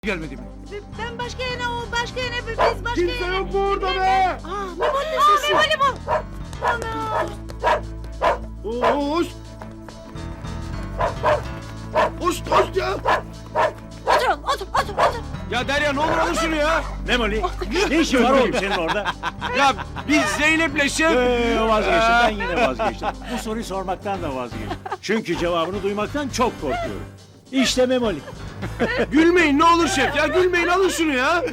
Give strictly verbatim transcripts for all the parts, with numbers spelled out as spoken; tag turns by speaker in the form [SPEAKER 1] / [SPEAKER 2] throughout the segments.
[SPEAKER 1] Gelmedi mi?
[SPEAKER 2] Ben başka yere, o başka yere, biz başka
[SPEAKER 3] Kimse
[SPEAKER 2] yere.
[SPEAKER 3] yok mu orada be?
[SPEAKER 2] Aa, Memoli sesi. Aa, Memoli bu. Ana.
[SPEAKER 3] Hoş. Hoş, hoş ya.
[SPEAKER 2] Oturun, otur, otur, otur.
[SPEAKER 1] Ya Derya ne olur alın şunu ya.
[SPEAKER 4] Memoli, ne işin var oğlum senin orada?
[SPEAKER 1] Ya biz Zeynep'le şef.
[SPEAKER 4] Ee, vazgeçtim, ben yine vazgeçtim. Bu soruyu sormaktan da vazgeçtim. Çünkü cevabını duymaktan çok korkuyorum. İşte Memoli.
[SPEAKER 1] Gülmeyin ne olur şef ya gülmeyin alın şunu ya.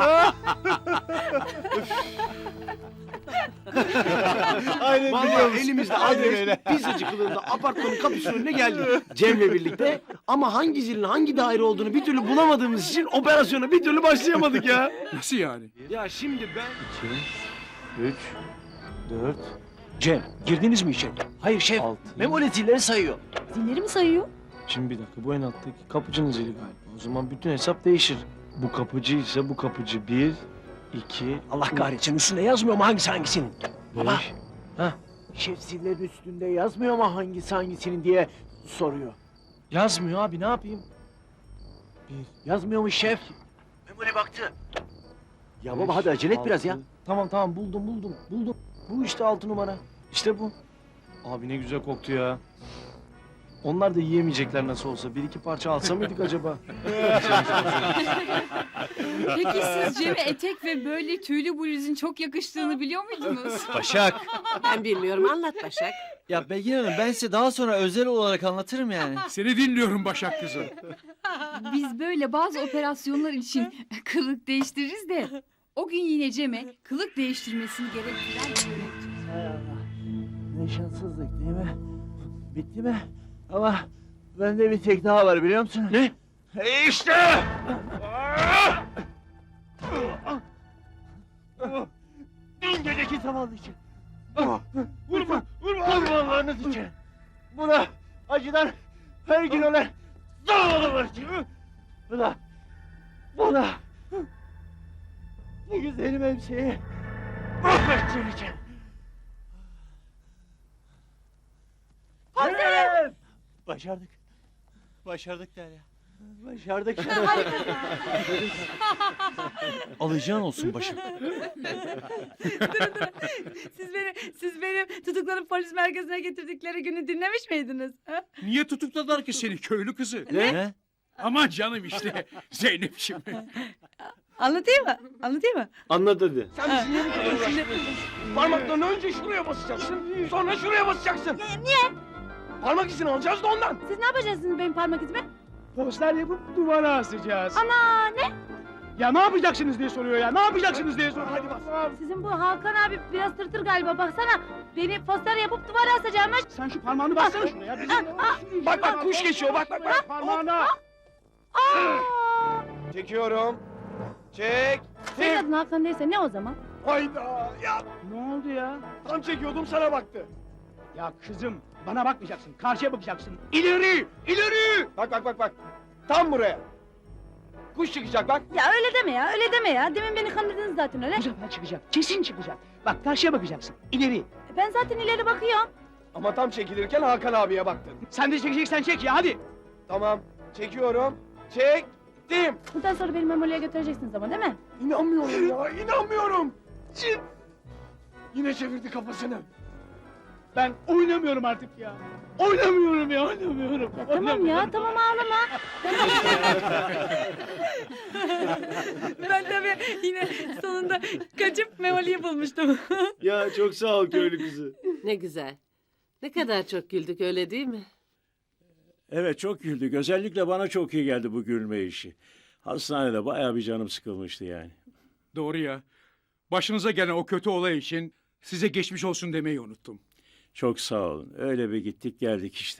[SPEAKER 3] Aynen
[SPEAKER 1] Vallahi elimizde adres pizzacı kılığında apartmanın kapısının önüne geldik. Cem'le birlikte ama hangi zilin hangi daire olduğunu bir türlü bulamadığımız için operasyona bir türlü başlayamadık ya. Nasıl yani? Ya şimdi ben...
[SPEAKER 4] Üç, dört... Cem, girdiniz mi içeri? Hayır şef, Memoli zilleri sayıyor.
[SPEAKER 2] Zilleri mi sayıyor?
[SPEAKER 5] Şimdi bir dakika, bu en alttaki kapıcının zili galiba. O zaman bütün hesap değişir. Bu kapıcı ise bu kapıcı bir, iki,
[SPEAKER 4] Allah kahretsin, üstünde yazmıyor mu hangisi hangisinin? Baba,
[SPEAKER 5] beş. Hah,
[SPEAKER 4] şef zillerin üstünde yazmıyor mu hangisi hangisinin diye soruyor.
[SPEAKER 5] yazmıyor abi, ne yapayım? Bir,
[SPEAKER 4] Yazmıyor mu şef? Memoli baktı. Ya baba hadi acele et biraz ya.
[SPEAKER 5] altı. Tamam tamam, buldum buldum, buldum. Bu işte altı numara. İşte bu. Abi ne güzel koktu ya. Onlar da yiyemeyecekler nasıl olsa. Bir iki parça alsa mıydık acaba?
[SPEAKER 6] Peki siz Cem'e etek ve böyle tüylü bluzun çok yakıştığını biliyor muydunuz?
[SPEAKER 7] Başak.
[SPEAKER 2] Ben bilmiyorum, anlat Başak.
[SPEAKER 7] Ya Belgin Hanım ben size daha sonra özel olarak anlatırım yani.
[SPEAKER 1] Seni dinliyorum Başak kızım.
[SPEAKER 6] Biz böyle bazı operasyonlar için kılık değiştiririz de o gün yine Cem'e kılık değiştirmesini gerektiren bir yönetim.
[SPEAKER 4] Hay Allah. Ne şanssızlık değil mi? Bitti mi? Ama bende bir tek daha var biliyor musun?
[SPEAKER 1] Ne?
[SPEAKER 4] E işte! Dün geceki zavallı için. Vurma, vurma! Vurmalarınız için. Buna acıdan her gün ölen zavallılar için. Buna, buna, bu güzelim hemşeyi mahvedeceğim için.
[SPEAKER 2] Komiserim!
[SPEAKER 4] Başardık.
[SPEAKER 7] Başardık Derya.
[SPEAKER 4] Başardık.
[SPEAKER 7] Alacağın olsun Başak.
[SPEAKER 6] Siz beni, siz benim tutuklanıp polis merkezine getirdikleri günü dinlemiş miydiniz? Ha?
[SPEAKER 1] Niye tutukladılar ki seni köylü kızı?
[SPEAKER 7] Ne?
[SPEAKER 1] Aman canım işte Zeynep'ciğim.
[SPEAKER 6] Anlatayım mı? Anlatayım mı?
[SPEAKER 3] Anlat hadi.
[SPEAKER 2] Sen bizi niye bu kadar uğraştırıyorsun? Parmaklarını önce şuraya basacaksın, sonra şuraya basacaksın.
[SPEAKER 6] Niye?
[SPEAKER 2] Parmak izini alacağız da ondan.
[SPEAKER 6] Siz ne yapacaksınız benim parmak izime?
[SPEAKER 3] Poster yapıp duvara asacağız.
[SPEAKER 6] Ana ne?
[SPEAKER 3] Ya ne yapacaksınız diye soruyor ya. Ne yapacaksınız diye soruyor. Hadi bas.
[SPEAKER 6] Sizin bu Hakan abi biraz tırtır galiba baksana. Beni poster yapıp duvara asacağımış.
[SPEAKER 3] Sen şu parmağını bassana şuna ya. Bizim
[SPEAKER 2] Bak bak kuş geçiyor, bak bak bak.
[SPEAKER 3] parmağına.
[SPEAKER 2] Çekiyorum. Çek.
[SPEAKER 6] Senin adın Hakan değilse ne o zaman?
[SPEAKER 2] Hayda. Ya
[SPEAKER 3] Ne oldu ya?
[SPEAKER 2] tam çekiyordum sana baktı.
[SPEAKER 3] Ya kızım bana bakmayacaksın. Karşıya bakacaksın. İleri! İleri!
[SPEAKER 2] Bak bak bak bak. Tam buraya. Kuş çıkacak bak.
[SPEAKER 6] Ya öyle deme ya, öyle deme ya. Demin beni kandırdınız zaten öyle.
[SPEAKER 3] Bu sefer çıkacak. Kesin çıkacak. Bak karşıya bakacaksın. İleri.
[SPEAKER 6] Ben zaten ileri bakıyorum.
[SPEAKER 2] Ama tam çekilirken Hakan abiye baktın.
[SPEAKER 3] Sen de çekeceksen çek ya hadi.
[SPEAKER 2] Tamam. Çekiyorum. Çektim.
[SPEAKER 6] Bundan sonra beni Memoli'ye götüreceksiniz ama değil mi?
[SPEAKER 2] İnanmıyorum ya. İnanmıyorum. Çin. Yine çevirdi kafasını.
[SPEAKER 3] Ben oynamıyorum artık ya. Oynamıyorum ya oynamıyorum.
[SPEAKER 6] Ya tamam ya, tamam ağlama. Ben tabii yine sonunda kaçıp Memoli'yi bulmuştum.
[SPEAKER 4] Ya çok sağ ol köylü kızı.
[SPEAKER 8] Ne güzel. Ne kadar çok güldük öyle değil mi?
[SPEAKER 4] Evet çok güldük. Özellikle bana çok iyi geldi bu gülme işi. Hastanede bayağı bir canım sıkılmıştı yani.
[SPEAKER 1] Doğru ya. Başınıza gelen o kötü olay için size geçmiş olsun demeyi unuttum.
[SPEAKER 4] Çok sağ olun. Öyle bir gittik geldik işte.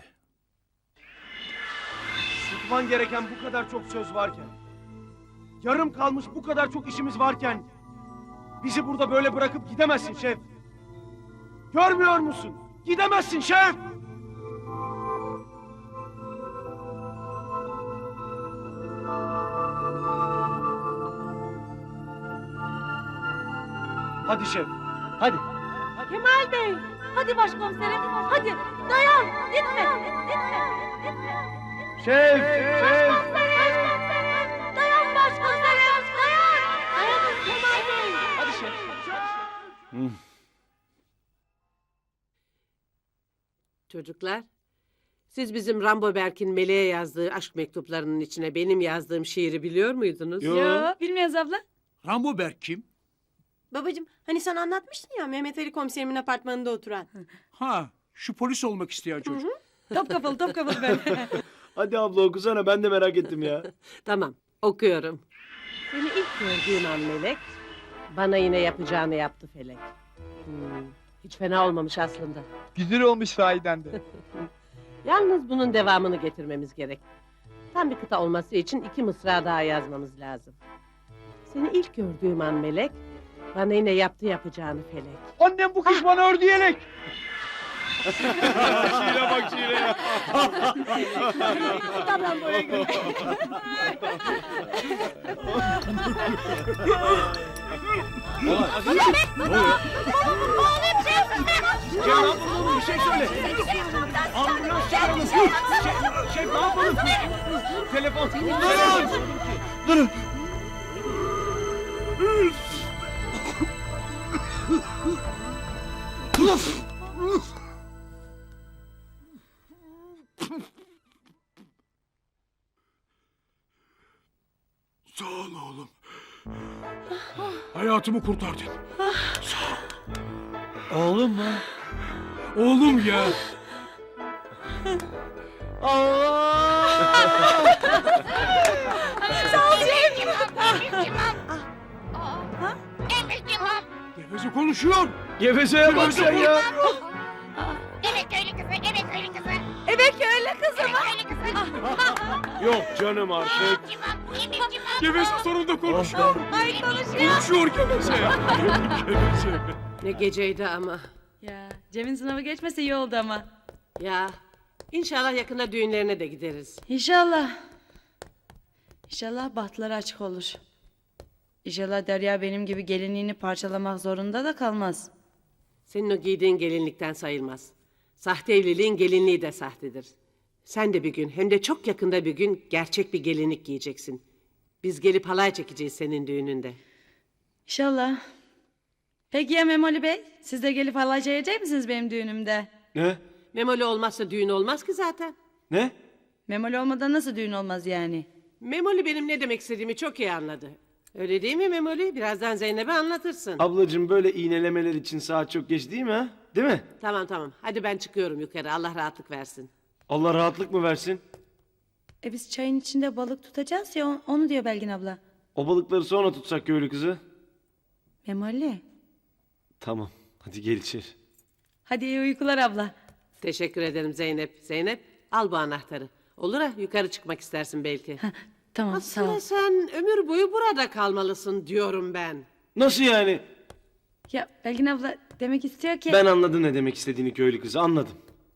[SPEAKER 2] Tutman gereken bu kadar çok söz varken, yarım kalmış bu kadar çok işimiz varken, bizi burada böyle bırakıp gidemezsin şef. Görmüyor musun? Gidemezsin şef! Hadi şef, hadi.
[SPEAKER 6] Kemal Bey, hadi başkomiserim, hadi dayan, gitme, gitme, gitme.
[SPEAKER 2] Şef, şef!
[SPEAKER 6] Başkomiserim, dayan
[SPEAKER 8] Çocuklar, siz bizim Rambo Berk'in Meleğe yazdığı aşk mektuplarının içine benim yazdığım şiiri biliyor muydunuz?
[SPEAKER 1] Yo.
[SPEAKER 6] Yo, bilmiyoruz abla.
[SPEAKER 4] Rambo Berk kim?
[SPEAKER 9] Babacığım hani sen anlatmıştın ya Mehmet Ali komiserimin apartmanında oturan.
[SPEAKER 4] Ha, şu polis olmak isteyen çocuk.
[SPEAKER 6] Top kafalı top kafalı böyle.
[SPEAKER 1] Hadi abla okusana ben de merak ettim ya.
[SPEAKER 8] Tamam, okuyorum. Seni ilk gördüğüm an Melek, bana yine yapacağını yaptı Felek. Hmm, hiç fena olmamış aslında.
[SPEAKER 3] Güzel olmuş sahiden de.
[SPEAKER 8] Yalnız bunun devamını getirmemiz gerek. Tam bir kıta olması için iki mısra daha yazmamız lazım. Seni ilk gördüğüm an Melek, bana yine yaptı yapacağını Felek.
[SPEAKER 3] Annem bu kış bana ördü yelek.
[SPEAKER 1] Şiire bak şiire. Cem ne yapalım oğlum bir şey söyle. Ambulans çağıralım. Şef, şef ne yapalım? Telefon. Durun. Durun.
[SPEAKER 4] Sağ ol oğlum. Hayatımı kurtardın.
[SPEAKER 7] Oğlum mu?
[SPEAKER 4] Oğlum ya. Geveze konuşuyor.
[SPEAKER 1] Gevezeye bak sen ya.
[SPEAKER 10] Evet köylü kızı, evet köylü kızı.
[SPEAKER 6] Evet öyle kızım.
[SPEAKER 10] Evet köylü kızı.
[SPEAKER 1] Yok canım artık.
[SPEAKER 10] Cimam, cimam, cimam.
[SPEAKER 4] Geveze sonunda konuşuyor.
[SPEAKER 6] Ay konuşuyor.
[SPEAKER 4] Konuşuyor Geveze. Geveze.
[SPEAKER 8] Ne geceydi ama.
[SPEAKER 6] Ya Cem'in sınavı geçmese iyi oldu ama.
[SPEAKER 8] Ya, inşallah yakında düğünlerine de gideriz.
[SPEAKER 11] İnşallah. İnşallah bahtları açık olur. İnşallah Derya benim gibi gelinliğini parçalamak zorunda da kalmaz.
[SPEAKER 8] Senin o giydiğin gelinlikten sayılmaz. Sahte evliliğin gelinliği de sahtedir. Sen de bir gün, hem de çok yakında bir gün gerçek bir gelinlik giyeceksin. Biz gelip halay çekeceğiz senin düğününde.
[SPEAKER 11] İnşallah. Peki ya Memoli Bey? Siz de gelip halay çekecek misiniz benim düğünümde?
[SPEAKER 1] Ne?
[SPEAKER 8] Memoli olmazsa düğün olmaz ki zaten.
[SPEAKER 1] Ne?
[SPEAKER 11] Memoli olmadan nasıl düğün olmaz yani?
[SPEAKER 8] Memoli benim ne demek istediğimi çok iyi anladı. Öyle değil mi Memoli? Birazdan Zeynep'e anlatırsın.
[SPEAKER 1] Ablacığım böyle iğnelemeler için saat çok geç değil mi ha? Değil mi?
[SPEAKER 8] Tamam tamam. Hadi ben çıkıyorum yukarı. Allah rahatlık versin.
[SPEAKER 1] Allah rahatlık mı versin?
[SPEAKER 11] E biz çayın içinde balık tutacağız ya on- onu diyor Belgin abla.
[SPEAKER 1] O balıkları sonra tutsak köylü kızı.
[SPEAKER 11] Memoli.
[SPEAKER 1] Tamam. Hadi gel içeri.
[SPEAKER 11] Hadi iyi uykular abla.
[SPEAKER 8] Teşekkür ederim Zeynep. Zeynep al bu anahtarı. Olur ha yukarı çıkmak istersin belki.
[SPEAKER 11] Tamam sağ ol.
[SPEAKER 8] Aslında sen ömür boyu burada kalmalısın diyorum ben.
[SPEAKER 1] Nasıl yani?
[SPEAKER 11] Ya Belgin abla demek istiyor ki...
[SPEAKER 1] Ben anladım ne demek istediğini köylü kızı anladım.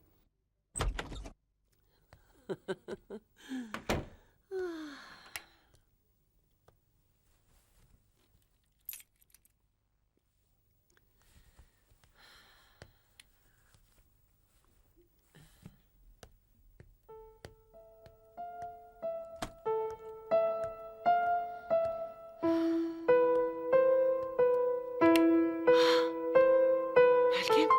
[SPEAKER 8] Belki.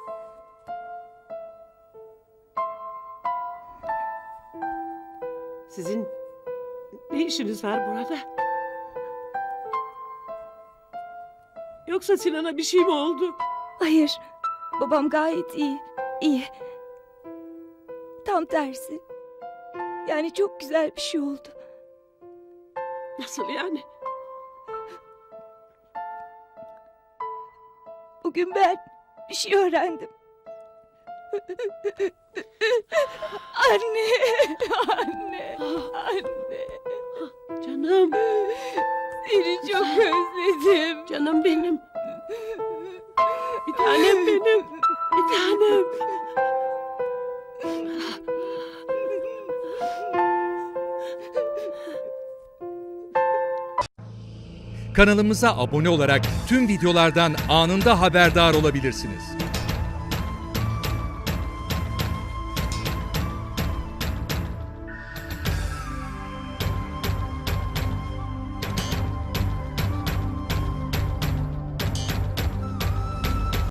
[SPEAKER 8] Sizin ne işiniz var burada? Yoksa Sinan'a bir şey mi oldu?
[SPEAKER 11] Hayır. Babam gayet iyi. İyi. Tam tersi. Yani çok güzel bir şey oldu.
[SPEAKER 8] Nasıl yani?
[SPEAKER 11] Bugün ben bir şey öğrendim. Anne, anne, anne.
[SPEAKER 8] Canım,
[SPEAKER 11] Seni çok özledim.
[SPEAKER 8] canım benim. Bir tanem benim. Bir tanem.
[SPEAKER 12] Kanalımıza abone olarak tüm videolardan anında haberdar olabilirsiniz.